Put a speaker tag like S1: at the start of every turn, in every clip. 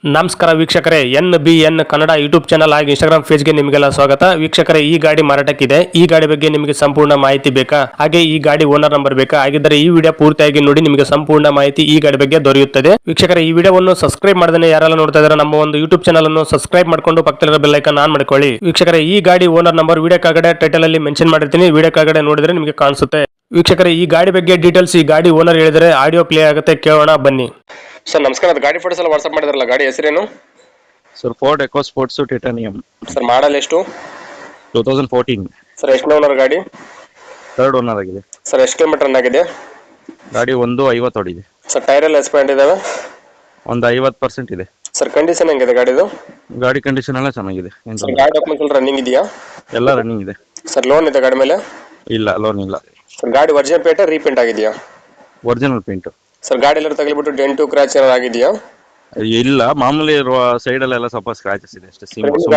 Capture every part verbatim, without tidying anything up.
S1: ನಮಸ್ಕಾರ ವೀಕ್ಷಕರೇ, N B N Kannada YouTube channel ಹಾಗೂ ಇನ್ಸ್ಟಾಗ್ರಾಮ್ ಪೇಜ್ಗೆ ನಿಮಗೆಲ್ಲ ಸ್ವಾಗತ. ವೀಕ್ಷಕರೇ, ಈ ಗಾಡಿ ಮಾರಾಟಕ್ಕಿದೆ. ಈ ಗಾಡಿ ಬಗ್ಗೆ ನಿಮಗೆ ಸಂಪೂರ್ಣ ಮಾಹಿತಿ ಬೇಕಾ, ಹಾಗೆ ಈ ಗಾಡಿ ಓನರ್ ನಂಬರ್ ಬೇಕಾ? ಹಾಗಿದ್ದರೆ ಈ ವಿಡಿಯೋ ಪೂರ್ತಿಯಾಗಿ ನೋಡಿ, ನಿಮಗೆ ಸಂಪೂರ್ಣ ಮಾಹಿತಿ ಈ ಗಾಡಿ ಬಗ್ಗೆ ದೊರೆಯುತ್ತದೆ. ವೀಕ್ಷಕರೇ, ಈ ವಿಡಿಯೋವನ್ನು ಸಬ್ಸ್ಕ್ರೈಬ್ ಮಾಡದೇ ಯಾರೆಲ್ಲ ನೋಡ್ತಾ ಇದ್ದಾರೆ ನಮ್ಮ ಒಂದು ಯೂಟ್ಯೂಬ್ ಚಾನಲ್ ಅನ್ನು ಸಬ್ಸ್ಕ್ರೈಬ್ ಮಾಡ್ಕೊಂಡು ಪಕ್ಕದಲ್ಲಿರೋ ಬೆಲ್ ಐಕಾನ್ ಆನ್ ಮಾಡ್ಕೊಳ್ಳಿ. ವೀಕ್ಷಕರೇ, ಈ ಗಾಡಿ ಓನರ್ ನಂಬರ್ ವಿಡಿಯೋ ಕೆಳಗಡೆ ಟೈಟಲ್ ಅಲ್ಲಿ ಮೆನ್ಷನ್ ಮಾಡಿರ್ತೀನಿ, ವಿಡಿಯೋ ಕೆಳಗಡೆ ನೋಡಿದ್ರೆ ನಿಮಗೆ ಕಾಣಿಸುತ್ತೆ. ವೀಕ್ಷಕರೇ, ಈ ಗಾಡಿ ಬಗ್ಗೆ ಡೀಟೇಲ್ಸ್ ಈ ಗಾಡಿ ಓನರ್ ಹೇಳಿದರೆ ಆಡಿಯೋ ಪ್ಲೇ ಆಗುತ್ತೆ, ಕೇಳೋಣ ಬನ್ನಿ. ಸರ್ ನಮಸ್ಕಾರ, ಅದು ಗಾಡಿ ಫೋಟೋಸ್ ಎಲ್ಲ ವಾಟ್ಸ್ಆಪ್ ಮಾಡಿದ್ರಲ್ಲ, ಗಾಡಿ ಹೆಸರೇನು?
S2: Sir Ford Eco Sports Titanium.
S1: Sir model ಎಷ್ಟು?
S2: Two thousand fourteen.
S1: ಸರ್ ಎಷ್ಟು ಓನರ್ ಗಾಡಿ?
S2: ಥರ್ಡ್ ಓನರ್ ಆಗಿದೆ.
S1: ಸರ್ ಎಷ್ಟು ಕಿಲೋಮೀಟರ್ ರನ್ ಆಗಿದೆ?
S2: ಗಾಡಿ ಒಂದು ಐವತ್ತು ಹೊಡಿದೆ.
S1: ಸರ್ ಟೈರ್ ಎಲ್ಲ ಎಕ್ಸ್ಪೆಂಡ್ ಇದಾವೆ?
S2: ಒಂದು ಐವತ್ತು ಪರ್ಸೆಂಟ್ ಇದೆ.
S1: ಸರ್ ಕಂಡೀಷನ್ ಹೆಂಗಿದೆ ಗಾಡಿದು?
S2: ಗಾಡಿ ಕಂಡೀಷನ್ ಎಲ್ಲ ಚೆನ್ನಾಗಿದೆ.
S1: ಸರ್ ಗಾಡಿ ಡಾಕ್ಯುಮೆಂಟ್ಸ್ ಎಲ್ಲ ರನ್ನಿಂಗ್ ಇದೆಯಾ?
S2: ಎಲ್ಲ ರನ್ನಿಂಗ್ ಇದೆ.
S1: ಸರ್ ಲೋನ್ ಇದೆ ಗಾಡಿ ಮೇಲೆ?
S2: ಇಲ್ಲ, ಲೋನ್ ಇಲ್ಲ.
S1: ಸರ್ ಗಾಡಿ ಒರಿಜಿನಲ್ ಪೇಟೆ ರೀಪೇಂಟ್ ಆಗಿದೆಯಾ?
S2: Original paint.
S1: ಸರ್ ಗಾಡಿ ಎಲ್ಲ ತಗಲಿಬಿಟ್ಟು ಡೆಂಟು ಕ್ರಾಚ್ ಏನಾದ್ರು ಆಗಿದೆಯಾ?
S2: ಇಲ್ಲ, ಮಾಮೂಲಿ ಇರುವ ಸೈಡ್ ಅಲ್ಲೆಲ್ಲ ಸ್ವಲ್ಪ ಸ್ಕ್ರಾಚಸ್ ಇದೆ ಅಷ್ಟೇ.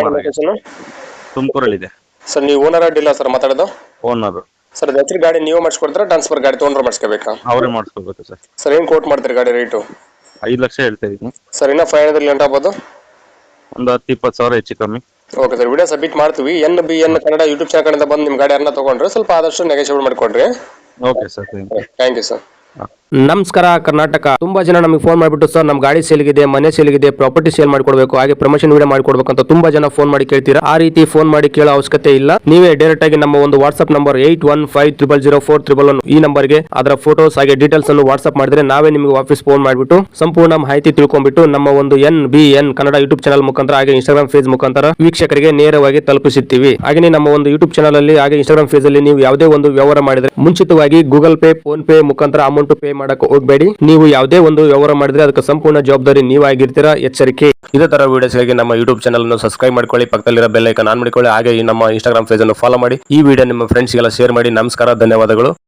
S2: ತುಮಕೂರಲ್ಲಿ ಇದೆ.
S1: ಸರ್ ನೀವು ಓನರ್ ಅಡ್ಡಿಲ್ಲ ಸರ್ ಮಾತಾಡೋದು?
S2: ಓನರ್.
S1: ಸರ್ ಹೆಸರು ಗಾಡಿ ನೀವು ಮಾಡಿಸ್ಕೊಡ್ತೀರಾ, ಟ್ರಾನ್ಸ್ಫರ್ ಗಾಡಿ ತೊಗೊಂಡ್ರೆ ಮಾಡಿಸ್ಕೋಬೇಕಾ?
S2: ಅವರೇ ಮಾಡಿಸ್ಕೋಬೇಕು ಸರ್.
S1: ಸರ್ ಏನು ಕೋಟ್ ಮಾಡ್ತೀರಿ ಗಾಡಿ ರೇಟು?
S2: ಐದು ಲಕ್ಷ ಹೇಳ್ತಾ ಇದ್ದೀನಿ
S1: ಸರ್. ಇನ್ನೂ ಫೈವ್ ಹಂಡ್ರೆಡ್ ಲೆಂಟ್ ಆಗ್ಬೋದು?
S2: ಒಂದು ಹತ್ತು ಇಪ್ಪತ್ತು ಸಾವಿರ ಹೆಚ್ಚು ಕಮ್ಮಿ.
S1: ಓಕೆ ಸರ್, ವಿಡಿಯೋ ಸಬ್ಮಿಟ್ ಮಾಡ್ತೀವಿ. N B N Kannada YouTube channel ಕಡೆಯಿಂದ ಬಂದು ನಿಮ್ಮ ಗಾಡಿ ಯಾರನ್ನ ತೊಗೊಂಡ್ರೆ ಸ್ವಲ್ಪ ಆದಷ್ಟು ನೆಗೋಷಿಯೇಟ್ ಮಾಡಿಕೊಡ್ರಿ.
S2: Okay sir, thank you.
S1: Thank you sir.
S3: ನಮಸ್ಕಾರ ಕರ್ನಾಟಕ. ತುಂಬಾ ಜನ ನಮಗೆ ಫೋನ್ ಮಾಡಿಬಿಟ್ಟು ಸರ್ ನಮ್ಮ ಗಾಡಿ ಸೇಲ್ಗಿದೆ, ಮನೆ ಸೇಲ್ಗಿದೆ, ಪ್ರಾಪರ್ಟಿ ಸೇಲ್ ಮಾಡ್ಕೊಡ್ಬೇಕು, ಹಾಗೆ ಪ್ರಮೋಷನ್ ವಿಡಿಯೋ ಮಾಡ್ಕೊಡ್ಬೇಕು ಅಂತ ತುಂಬಾ ಜನ ಫೋನ್ ಮಾಡಿ ಕೇಳ್ತೀರಾ. ಆ ರೀತಿ ಫೋನ್ ಮಾಡಿ ಕೇಳೋ ಅವಶ್ಯಕತೆ ಇಲ್ಲ. ನೀವೇ ಡೈರೆಕ್ಟ್ ಆಗಿ ನಮ್ಮ ಒಂದು WhatsApp number eight one five triple zero four triple one ಈ ನಂಬರ್ಗೆ ಅದರ ಫೋಟೋಸ್ ಹಾಗೆ ಡೀಟೇಲ್ಸ್ ಅನ್ನು ವಾಟ್ಸ್ಆಪ್ ಮಾಡಿದ್ರೆ ನಾವೇ ನಿಮಗೆ ವಾಪಸ್ ಫೋನ್ ಮಾಡಿಬಿಟ್ಟು ಸಂಪೂರ್ಣ ಮಾಹಿತಿ ತಿಳ್ಕೊಂಡ್ಬಿಟ್ಟು ನಮ್ಮ ಒಂದು N B N Kannada YouTube channel ಮುಖಾಂತರ ಹಾಗೆ ಇನ್ಸ್ಟಾಗ್ರಾಮ್ ಪೇಜ್ ಮುಖಾಂತರ ವೀಕ್ಷಕರಿಗೆ ನೇರವಾಗಿ ತಲುಪಿಸುತ್ತೀವಿ. ಹಾಗೆ ನಮ್ಮ ಒಂದು ಯೂಟ್ಯೂಬ್ ಚಾನಲ್ ಅಲ್ಲಿ ಹಾಗೆ ಇನ್ಸ್ಟಾಗ್ರಾಮ್ ಪೇಜ್ ಅಲ್ಲಿ ನೀವು ಯಾವುದೇ ಒಂದು ವ್ಯವಹಾರ ಮಾಡಿದ್ರೆ ಮುಂಚಿತವಾಗಿ ಗೂಗಲ್ ಪೇ, ಫೋನ್ ಪೇ ಮುಖಾಂತರ ಅಮೌಂಟ್ ಪೇ ಮಾಡಕ್ಕೆ ಹೋಗಬೇಡಿ. ನೀವು ಯಾವುದೇ ಒಂದು ವ್ಯವಹಾರ ಮಾಡಿದ್ರೆ ಅದಕ್ಕೆ ಸಂಪೂರ್ಣ ಜವಾಬ್ದಾರಿ ನೀವಾಗಿರ್ತೀರಾ, ಎಚ್ಚರಿಕೆ. ಇದೇ ತರ ವಿಡಿಯೋಸ್ಗಾಗಿ ನಮ್ಮ ಯೂಟ್ಯೂಬ್ ಚಾನಲ್ ಅನ್ನು ಸಬ್ಸ್ಕ್ರೈಬ್ ಮಾಡ್ಕೊಳ್ಳಿ, ಪಕ್ಕದಲ್ಲಿರೋ ಬೆಲ್ ಐಕಾನ್ ಆನ್ ಮಾಡಿಕೊಳ್ಳಿ, ಹಾಗೆ ನಮ್ಮ ಇನ್ಸ್ಟಾಗ್ರಾಮ್ ಪೇಜ್ ಅನ್ನು ಫಾಲೋ ಮಾಡಿ. ಈ ವಿಡಿಯೋ ನಿಮ್ಮ ಫ್ರೆಂಡ್ಸ್ಗೆಲ್ಲ ಶೇರ್ ಮಾಡಿ. ನಮಸ್ಕಾರ, ಧನ್ಯವಾದಗಳು.